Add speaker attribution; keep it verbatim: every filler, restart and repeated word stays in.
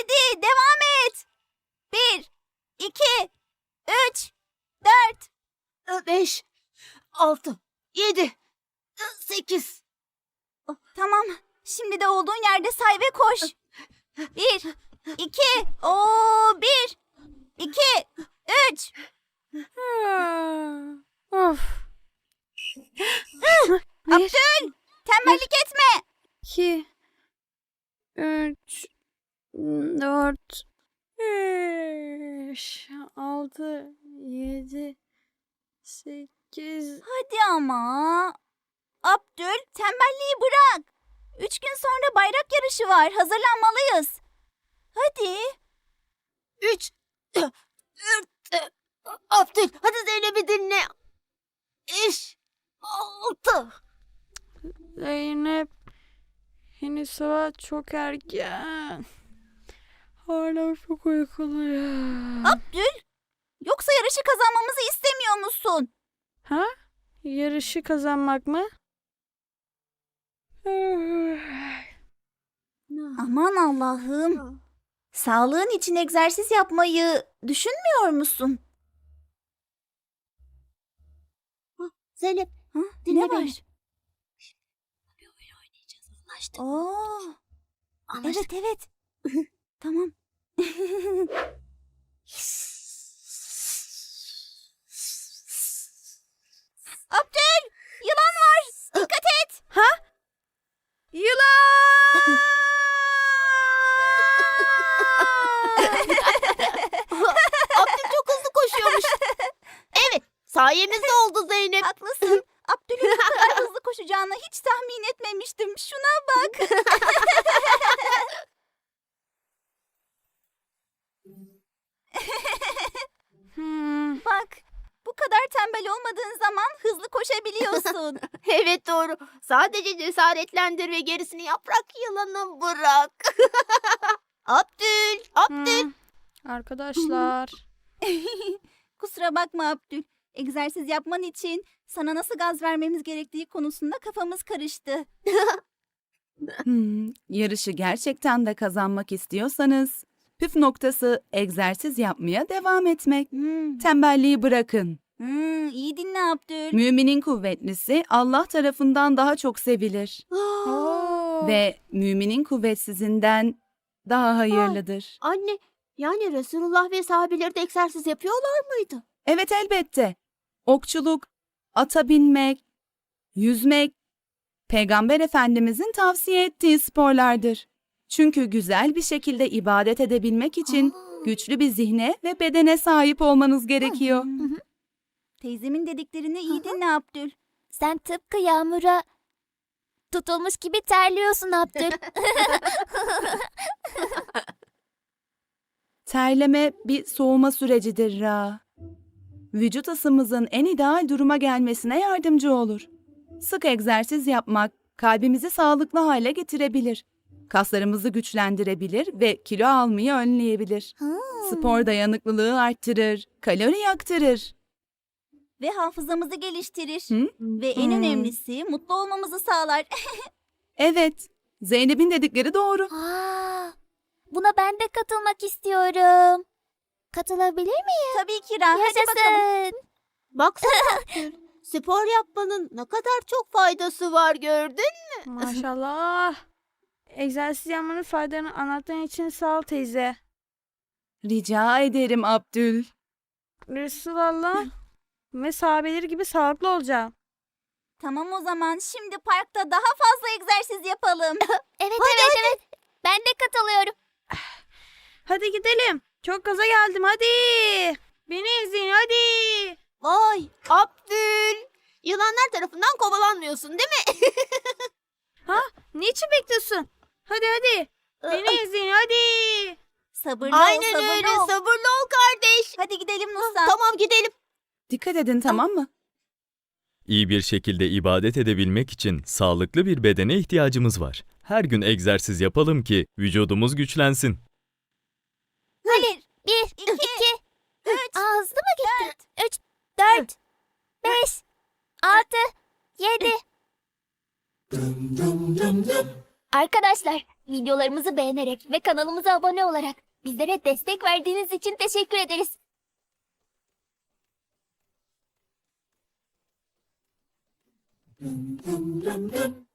Speaker 1: Hadi devam et. Bir, iki, üç, dört.
Speaker 2: Beş, altı, yedi, sekiz.
Speaker 1: Tamam. Şimdi de olduğun yerde say ve koş. Bir, iki, o bir, iki, üç.
Speaker 3: Of.
Speaker 1: Abdül, tembellik etme.
Speaker 3: iki, üç, dört, beş, altı, yedi, sekiz.
Speaker 1: Hadi ama. Abdül, tembelliği bırak. Üç gün sonra bayrak yarışı var. Hazırlanmalıyız. Hadi.
Speaker 2: Üç, dört, Abdül, hadi Zeynep'i dinle. Beş, altı.
Speaker 3: Zeynep, henüz sabah çok erken. Hala çok uykuluyum.
Speaker 1: Abdül, yoksa yarışı kazanmamızı istemiyor musun?
Speaker 3: Ha? Yarışı kazanmak mı?
Speaker 1: Aman Allah'ım. Sağlığın için egzersiz yapmayı düşünmüyor musun?
Speaker 2: Zeynep,
Speaker 1: Ha?
Speaker 2: dinle
Speaker 1: Ne
Speaker 2: beni.
Speaker 1: var?
Speaker 2: Bir oyun oynayacağız, anlaştık.
Speaker 1: Oo,
Speaker 2: Anlaştık.
Speaker 1: evet evet. Tamam. Abdül, yılan var. Dikkat et.
Speaker 3: Yılan!
Speaker 2: Abdül çok hızlı koşuyormuş. Evet, sayemizde oldu Zeynep.
Speaker 1: Haklısın. Abdül'ün bu kadar hızlı koşacağını hiç tahmin etmemiştim. Şuna bak.
Speaker 3: Hmm.
Speaker 1: Bak. Bu kadar tembel olmadığın zaman hızlı koşabiliyorsun.
Speaker 2: Evet doğru. Sadece cesaretlendir ve gerisini yaprak yılanı bırak. Abdül, Abdül.
Speaker 3: Hmm. Arkadaşlar.
Speaker 1: Kusura bakma Abdül. Egzersiz yapman için sana nasıl gaz vermemiz gerektiği konusunda kafamız karıştı.
Speaker 4: Hmm, yarışı gerçekten de kazanmak istiyorsanız püf noktası egzersiz yapmaya devam etmek.
Speaker 1: Hmm.
Speaker 4: Tembelliği bırakın.
Speaker 1: Hmm, iyi dinle Abdül.
Speaker 4: Müminin kuvvetlisi Allah tarafından daha çok sevilir
Speaker 3: Oo.
Speaker 4: ve müminin kuvvetsizinden daha hayırlıdır.
Speaker 2: Anne, yani Resulullah ve sahabeleri de egzersiz yapıyorlar mıydı?
Speaker 4: Evet elbette. Okçuluk, ata binmek, yüzmek, Peygamber Efendimizin tavsiye ettiği sporlardır. Çünkü güzel bir şekilde ibadet edebilmek için güçlü bir zihne ve bedene sahip olmanız gerekiyor.
Speaker 1: Hmm. Teyzemin dediklerini iyi dinle Abdül.
Speaker 5: Sen tıpkı yağmura tutulmuş gibi terliyorsun Abdül.
Speaker 4: Terleme bir soğuma sürecidir Ra. Vücut ısımızın en ideal duruma gelmesine yardımcı olur. Sık egzersiz yapmak kalbimizi sağlıklı hale getirebilir. Kaslarımızı güçlendirebilir ve kilo almayı önleyebilir. Spor dayanıklılığı arttırır, kalori yaktırır.
Speaker 1: Ve hafızamızı geliştirir.
Speaker 4: Hı?
Speaker 1: Ve en
Speaker 4: Hmm.
Speaker 1: önemlisi mutlu olmamızı sağlar.
Speaker 4: Evet, Zeynep'in dedikleri doğru.
Speaker 5: Aa, buna ben de katılmak istiyorum. Katılabilir miyim?
Speaker 1: Tabii ki Ra. Hadi bakalım.
Speaker 5: Yaşasın.
Speaker 2: Baksana Abdül, spor yapmanın ne kadar çok faydası var gördün.
Speaker 3: Maşallah. Egzersiz yapmanın faydalarını anlattığın için sağ ol teyze.
Speaker 4: Rica ederim Abdül.
Speaker 3: Resulallah ve sahabeleri gibi sağlıklı olacağım.
Speaker 1: Tamam o zaman şimdi parkta daha fazla egzersiz yapalım.
Speaker 5: Evet evet evet. Ben de katılıyorum.
Speaker 3: Hadi gidelim. Çok gaza geldim hadi. Beni izleyin hadi.
Speaker 2: Vay Abdül, yılanlar tarafından kovalanmıyorsun değil mi?
Speaker 3: Niçin bekliyorsun? Hadi hadi. Beni izleyin hadi.
Speaker 1: Sabırlı ol,
Speaker 2: Aynen
Speaker 1: sabırlı
Speaker 2: öyle,
Speaker 1: ol.
Speaker 2: sabırlı ol kardeş.
Speaker 1: Hadi gidelim Nusa.
Speaker 2: Tamam gidelim.
Speaker 4: Dikkat edin tamam mı?
Speaker 6: İyi bir şekilde ibadet edebilmek için sağlıklı bir bedene ihtiyacımız var. Her gün egzersiz yapalım ki vücudumuz güçlensin.
Speaker 1: Hadi.
Speaker 5: Bir,
Speaker 1: İki,
Speaker 5: iki,
Speaker 1: üç,
Speaker 5: Aa, hızlı mı gitti?
Speaker 1: dört.
Speaker 5: Üç, dört, beş, altı, yedi. Arkadaşlar, videolarımızı beğenerek ve kanalımıza abone olarak bizlere destek verdiğiniz için teşekkür ederiz.